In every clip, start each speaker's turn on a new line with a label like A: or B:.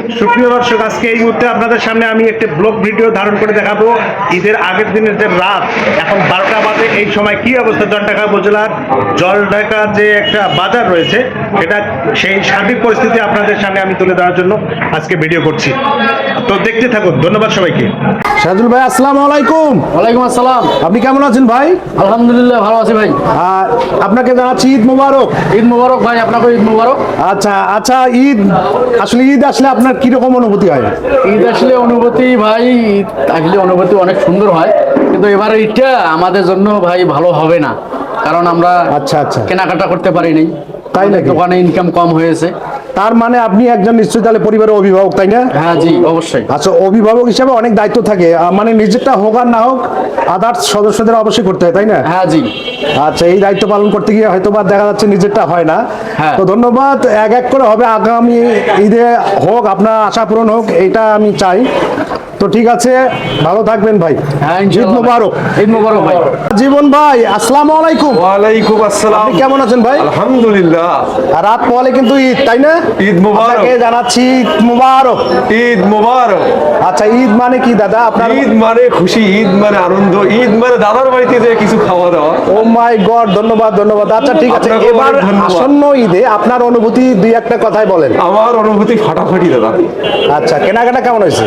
A: সুপ্রিয় দর্শক, আজকে এই মুহূর্তে আপনাদের সামনে আমি একটি ব্লগ ভিডিও ধারণ করে দেখাবো ঈদের আগের দিনের যে রাত, এখন 12টা বাজে। এই সময় কি অবস্থা জলঢাকা উপজেলার জলঢাকা যে একটা বাজার রয়েছে, এটা সেই সার্বিক পরিস্থিতি আপনাদের সামনে আমি তুলে ধরার জন্য আজকে ভিডিও করছি। তো দেখতে থাকুন। ধন্যবাদ সবাইকে।
B: সাজুল ভাই, আসসালামু আলাইকুম।
C: ওয়ালাইকুম আসসালাম।
B: আপনি কেমন আছেন ভাই?
C: আলহামদুলিল্লাহ ভালো আছি ভাই।
B: আপনাকে জানাচ্ছি ঈদ মোবারক।
C: ঈদ মোবারক ভাই, আপনাকে ঈদ মোবারক।
B: আচ্ছা আচ্ছা, ঈদ আসলে আপনার কিরকম অনুভূতি হয়?
C: ঈদ আসলে অনুভূতি ভাই, ঈদ আসলে অনুভূতি অনেক সুন্দর হয়, কিন্তু এবারে ঈদটা আমাদের জন্য ভাই ভালো হবে না, কারণ আমরা
B: আচ্ছা আচ্ছা
C: কেনাকাটা করতে পারিনি।
B: তাই নাকি?
C: দোকানে ইনকাম কম হয়েছে।
B: তার মানে আপনি একজন নিশ্চয়ই তাহলে পরিবারের অভিভাবক, তাই না?
C: হ্যাঁ জি, অবশ্যই।
B: আচ্ছা, অভিভাবক হিসাবে অনেক দায়িত্ব থাকে, মানে নিজেরটা হোক আর না হোক আদার্স সদস্যদের অবশ্যই করতে হয়, তাই না?
C: হ্যাঁ জি।
B: আচ্ছা, এই দায়িত্ব পালন করতে গিয়ে হয়তো বা দেখা যাচ্ছে নিজেরটা হয় না।
C: হ্যাঁ।
B: তো ধন্যবাদ। এক এক করে হবে, আগামী ঈদে হোক, আপনার আশা পূরণ হোক, এটা আমি চাই। তো ঠিক আছে, ভালো থাকবেন ভাই।
C: হ্যাঁ,
B: ঈদ
C: ইনশাআল্লাহ।
B: মোবারক।
C: ঈদ মোবারক ভাই।
B: জীবন ভাই, আসসালামু আলাইকুম।
D: ওয়ালাইকুম আসসালাম।
B: আপনি কেমন আছেন ভাই?
D: আলহামদুলিল্লাহ।
B: আর রাত পরে কিন্তু ঈদ, তাই না?
D: ঈদ মোবারক।
B: আপনাকে জানাচ্ছি ঈদ মোবারক।
D: ঈদ মোবারক।
B: আচ্ছা, ঈদ মানে কি দাদা আপনার?
D: ঈদ মানে খুশি, ঈদ মানে আনন্দ, ঈদ মানে দাদার বাড়িতে যে কিছু খাওয়া দাওয়া।
B: ও মাই গড, ধন্যবাদ ধন্যবাদ। আচ্ছা ঠিক আছে,
D: আপনাকেও
B: এবার
D: অনেক ধন্যবাদ।
B: আসন্ন ঈদে আপনার অনুভূতি দুই একটা কথাই বলেন।
D: আমার অনুভূতি ফাটাফাটি দাদা।
B: আচ্ছা, কেনাকাটা কেমন হয়েছে?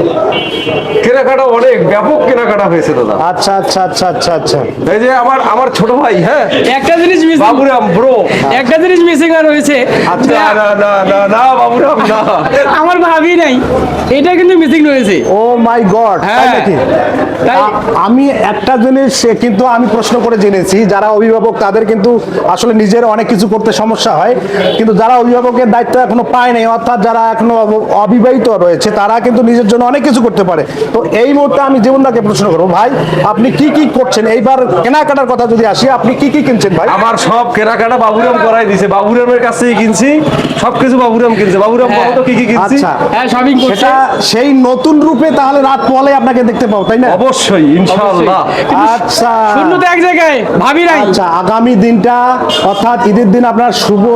D: কেনাকাটা অনেক ব্যাপক কেনাকাটা হয়েছে দাদা।
B: আচ্ছা আচ্ছা আচ্ছা আচ্ছা আচ্ছা।
D: এই যে আমার ছোট ভাই, হ্যাঁ,
E: একটা জিনিস মিসিং,
D: বাবুরাম ব্রো।
E: একটা জিনিস মিসিং আর রয়েছে,
B: আচ্ছা,
D: না না না না না বাবুরাম না।
E: আমার ভাবি নাই, এটা কিন্তু মিসিং রয়েছে।
B: ও মাই গড, তাই
E: হ্যাঁ।
B: নাকি?
E: তাই
B: আমি একটা জিনিস কিন্তু আমি প্রশ্ন করে জেনেছি, যারা অভিভাবক তাদের কিন্তু আসলে নিজের অনেক কিছু করতে সমস্যা হয়, কিন্তু যারা অভিভাবকের দায়িত্ব এখনো পায় নাই, অর্থাৎ যারা এখনো অবিবাহিত রয়েছে, তারা কিন্তু নিজের জন্য অনেক কিছু করতে পারে। তো এই মুহূর্তে আমি জীবনদাকে প্রশ্ন করবো, ভাই আপনি কি কি করছেন? এইবার কেনাকাটার কথা যদি আসি, আপনি কি কি কিনছেন ভাই?
D: আমার সব কেনাকাটা বাবুরাম করাই দিছে, বাবুরামের কাছেই কিনছি, সবকিছু বাবুরাম কিনছে। বাবুরাম
E: হ্যাঁ।
D: কত কি কি কিনছি।
B: আচ্ছা,
E: হ্যাঁ, শপিং করছে।
B: সেটা সেই নতুন রূপে তাহলে রাত পলে আপনাকে দেখতে পাবো, তাই না?
D: অবশ্যই, ইনশাআল্লাহ।
B: আচ্ছা
E: শূন্যতে এক জায়গায়, ভাবি নাই।
B: আচ্ছা, আগামী দিনটা অর্থাৎ ঈদের দিন আপনার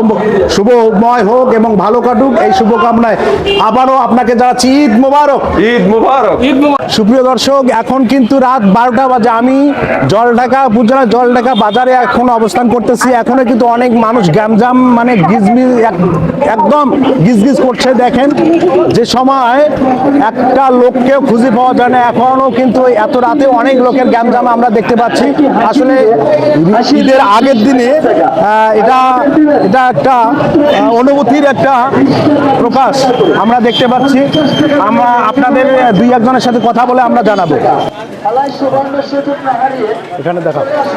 B: শুভময় হোক এবং ভালো কাটুক, এই শুভকামনায় আবারও আপনাকে জানাচ্ছি ঈদ মোবারক।
D: ঈদ মুবারক।
E: ঈদ মোবারক।
B: সুপ্রিয় দর্শক, এখন কিন্তু রাত 12টা বাজে। আমি জলঢাকা উপজেলা জলঢাকা বাজারে এখন অবস্থান করতেছি। এখনো কিন্তু অনেক মানুষ গ্যামজাম, মানে একদম গিজগিজ করছে। দেখেন, যে সময় একটা লোককেও খুঁজে পাওয়া যায় না, এখনো কিন্তু এত রাতে অনেক লোকের গ্যামজাম আমরা দেখতে পাচ্ছি। আসলে ঈদের আগের দিনে এটা একটা অনুভূতির একটা প্রকাশ আমরা দেখতে পাচ্ছি। আমরা আপনাদের দুই একজনের সাথে কথা বলে আমরা জানাবো। এখানে দেখা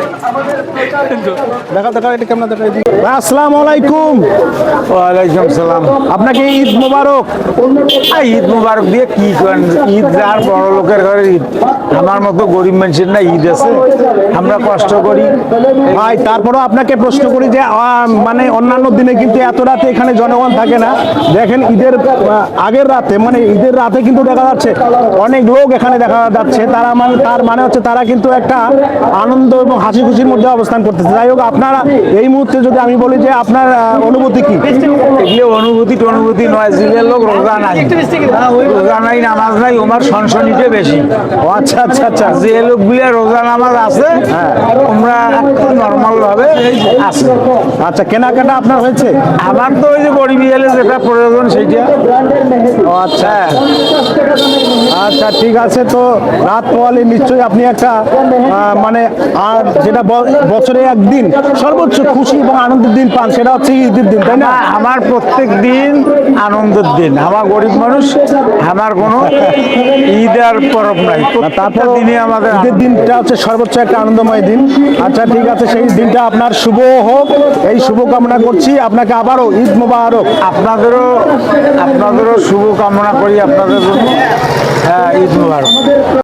B: এটা কেমন দেখা। আসসালামু আলাইকুম।
F: ওয়ালাইকুম সালাম।
B: আপনাকে ঈদ মোবারক।
F: ঈদ মুবারক দিয়ে কি করেন? ঈদ আর বড় লোকের ঘরে ঈদ, আমার মতো গরিব মানুষের না ঈদ আছে, আমরা কষ্ট করি
B: ভাই। তারপরেও আপনাকে প্রশ্ন করি যে মানে অন্যান্য দিনে কিন্তু এত রাতে এখানে জনগণ থাকে না। দেখেন ঈদের আগের রাতে, মানে ঈদের রাতে কিন্তু দেখা যাচ্ছে অনেক লোক এখানে দেখা যাচ্ছে। তার মানে হচ্ছে তারা কিন্তু একটা আনন্দ এবং হাসি খুশির মধ্যে অবস্থান করতেছে। যাই হোক, আপনারা এই মুহূর্তে যদি আমি বলি যে আপনার অনুভূতি কি?
F: এগুলো অনুভূতি নয়, জিলের লোক রোজা নাই, রোজা নাই, নামাজ নাই, ওমার সনসনিতে বেশি।
B: ও আচ্ছা আচ্ছা আচ্ছা।
F: যে লোকগুলো রোজা নামাজ আছে, আমরা নর্মাল ভাবে আছে।
B: আচ্ছা, কেনাকাটা আপনার হয়েছে?
F: আমার তো ওই যে গরিবি এলে যেটা প্রয়োজন সেইটা।
B: ও আচ্ছা আচ্ছা, ঠিক আছে। তো রাত পোয়ালে নিশ্চয়ই আপনি একটা মানে আর যেটা বছরে একদিন সর্বোচ্চ খুশি এবং আনন্দের দিন পান, সেটা হচ্ছে ঈদের দিন, তাই না?
F: আমার প্রত্যেক দিন আনন্দের দিন। আমার গরিব মানুষ, আমার কোনো ঈদ আর পরব নাই।
B: তারপর
F: দিনে আমাদের
B: ঈদের দিনটা হচ্ছে সর্বোচ্চ একটা আনন্দময় দিন। আচ্ছা ঠিক আছে, সেই দিনটা আপনার শুভ হোক, এই শুভ কামনা করছি। আপনাকে আবারও ঈদ মোবারক।
F: আপনাদেরও শুভ কামনা করি আপনাদের জন্য। হ্যাঁ, ঈদ মোবারক।